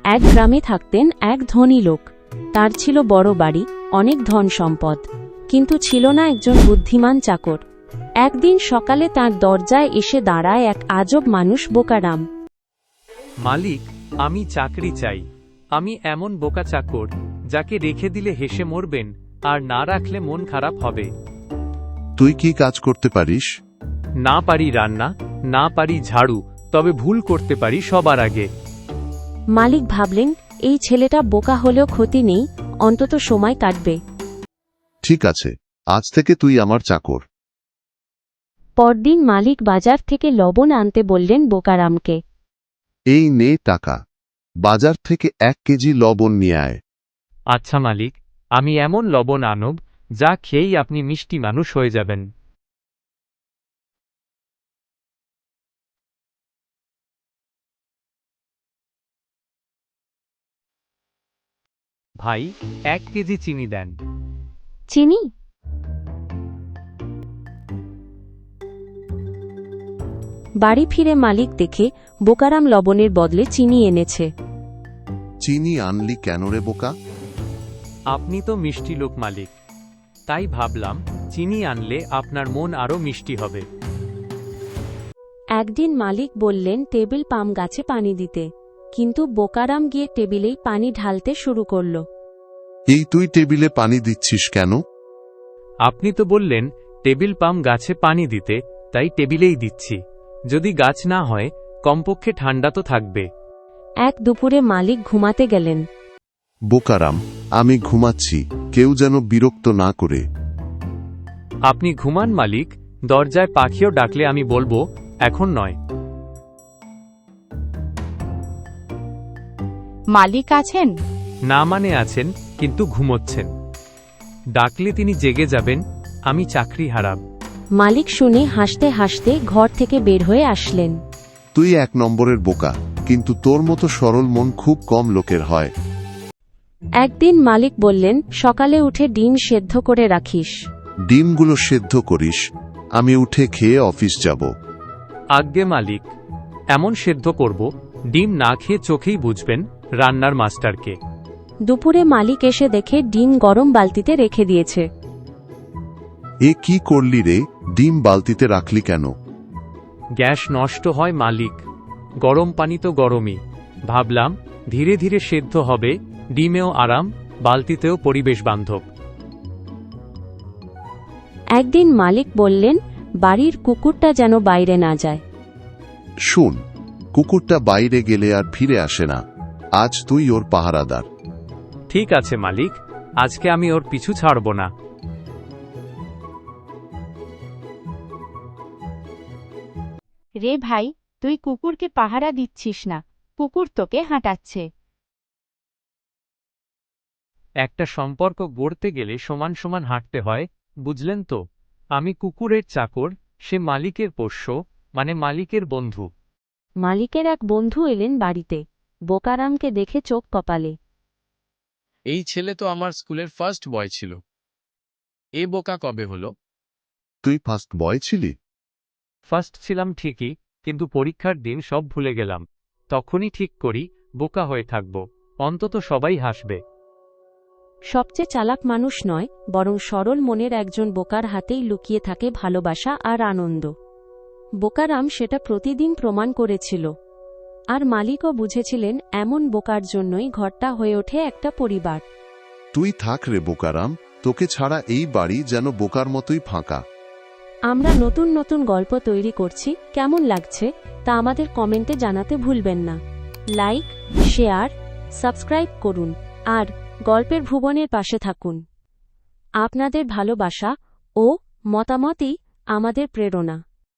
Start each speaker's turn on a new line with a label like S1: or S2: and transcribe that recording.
S1: এক গ্রামে থাকতেন এক ধনী লোক। তার ছিল বড় বাড়ি, অনেক ধন সম্পদ, কিন্তু ছিল না একজন বুদ্ধিমান চাকর। একদিন সকালে তার দরজায় এসে দাঁড়ায় এক আজব মানুষ, বোকারাম।
S2: মালিক, আমি চাকরি চাই। আমি এমন বোকা চাকর যাকে রেখে দিলে হেসে মরবেন, আর না রাখলে মন খারাপ হবে।
S3: তুই কি কাজ করতে পারিস?
S2: না পারি রান্না, না পারি ঝাড়ু, তবে ভুল করতে পারি সবার আগে।
S1: মালিক ভাবলেন, এই ছেলেটা বোকা হলেও ক্ষতি নেই, অন্তত সময় কাটবে।
S3: ঠিক আছে, আজ থেকে তুই আমার চাকর।
S1: পরদিন মালিক বাজার থেকে লবণ আনতে বললেন বোকারামকে।
S3: এই নে টাকা, বাজার থেকে 1 কেজি লবণ নিয়ে আয়।
S2: আচ্ছা মালিক, আমি এমন লবণ আনব যা খেয়েই আপনি মিষ্টি মানুষ হয়ে যাবেন। ভাই, 1 কেজি চিনি দেন।
S1: চিনি? বাড়ি ফিরে মালিক দেখে বোকারাম লবণের বদলে চিনি এনেছে।
S3: চিনি আনলি কেন রে বোকা?
S2: আপনি তো মিষ্টি লোক মালিক, তাই ভাবলাম চিনি আনলে আপনার মন আরো মিষ্টি হবে।
S1: একদিন মালিক বললেন টেবিল পাম গাছে পানি দিতে, কিন্তু বোকারাম গিয়ে টেবিলেই পানি ঢালতে শুরু করল।
S3: এই তুই টেবিলে পানি দিচ্ছিস কেন?
S2: আপনি তো বললেন টেবিল পাম গাছে পানি দিতে, তাই টেবিলেই দিচ্ছি। যদি গাছ না হয়, কমপক্ষে ঠান্ডা তো থাকবে।
S1: এক দুপুরে মালিক ঘুমাতে গেলেন।
S3: বোকারাম, আমি ঘুমাচ্ছি, কেউ যেন বিরক্ত না করে।
S2: আপনি ঘুমান মালিক, দরজায় পাখিও ডাকলে আমি বলবো এখন নয়।
S4: মালিক আছেন?
S2: না মানে আছেন, কিন্তু ঘুমোচ্ছেন। ডাকলে তিনি জেগে যাবেন, আমি চাকরি হারাব।
S1: মালিক শুনে হাসতে হাসতে ঘর থেকে বের হয়ে আসলেন।
S3: তুই 1 নম্বরের বোকা, কিন্তু তোর মতো সরল মন খুব কম লোকের হয়।
S1: একদিন মালিক বললেন, সকালে উঠে ডিম সেদ্ধ করে রাখিস।
S3: ডিমগুলো সেদ্ধ করিস, আমি উঠে খেয়ে অফিস যাব।
S2: আজ্ঞে মালিক, এমন সেদ্ধ করব ডিম না খেয়ে চোখেই বুঝবেন রান্নার মাস্টারকে।
S1: দুপুরে মালিক এসে দেখে ডিম গরম বালতিতে রেখে দিয়েছে।
S3: এ কি করলি রে, ডিম বালতিতে রাখলি কেন?
S2: গ্যাস নষ্ট হয় মালিক, গরম পানি তো গরমই। ভাবলাম ধীরে ধীরে সেদ্ধ হবে, ডিমেও আরাম, বালতিতেও পরিবেশ বান্ধব।
S1: একদিন মালিক বললেন, বাড়ির কুকুরটা যেন বাইরে না যায়।
S3: শুন, কুকুরটা বাইরে গেলে আর ফিরে আসে না, আজ তুই ওর পাহারাদার।
S2: ঠিক আছে মালিক, আজকে আমি ওর পিছু ছাড়ব না।
S4: রে ভাই, তুই কুকুরকে পাহারা দিচ্ছিস না, কুকুর তোকে হাঁটাচ্ছে।
S2: একটা সম্পর্ক গড়তে গেলে সমান সমান হাঁটতে হয়, বুঝলেন তো? আমি কুকুরের চাকর, সে মালিকের পোষ্য, মানে মালিকের বন্ধু।
S1: মালিকের এক বন্ধু এলেন বাড়িতে। বোকারামকে দেখে চোখ কপালে।
S5: এই ছেলে তো আমার স্কুলের ফার্স্ট বয় ছিল। এ বোকা কবে হলো?
S3: তুই ফার্স্ট বয় ছিলি?
S2: ফার্স্ট ছিলাম ঠিকই, কিন্তু পরীক্ষার দিন সব ভুলে গেলাম। তখনই ঠিক করি বোকা হয়ে থাকব, অন্তত সবাই হাসবে।
S1: সবচেয়ে চালাক মানুষ নয়, বরং সরল মনের একজন বোকার হাতেই লুকিয়ে থাকে ভালোবাসা আর আনন্দ। বোকারাম সেটা প্রতিদিন প্রমাণ করেছিল। আর মালিকও বুঝেছিলেন এমন বোকার জন্যই ঘরটা হয়ে ওঠে একটা পরিবার।
S3: তুই থাক রে বোকারাম, তোকে ছাড়া এই বাড়ি যেন বোকার মতোই ফাঁকা।
S1: আমরা নতুন নতুন গল্প তৈরি করছি, কেমন লাগছে তা আমাদের কমেন্টে জানাতে ভুলবেন না। লাইক, শেয়ার, সাবস্ক্রাইব করুন আর গল্পের ভুবনের পাশে থাকুন। আপনাদের ভালোবাসা ও মতামতই আমাদের প্রেরণা।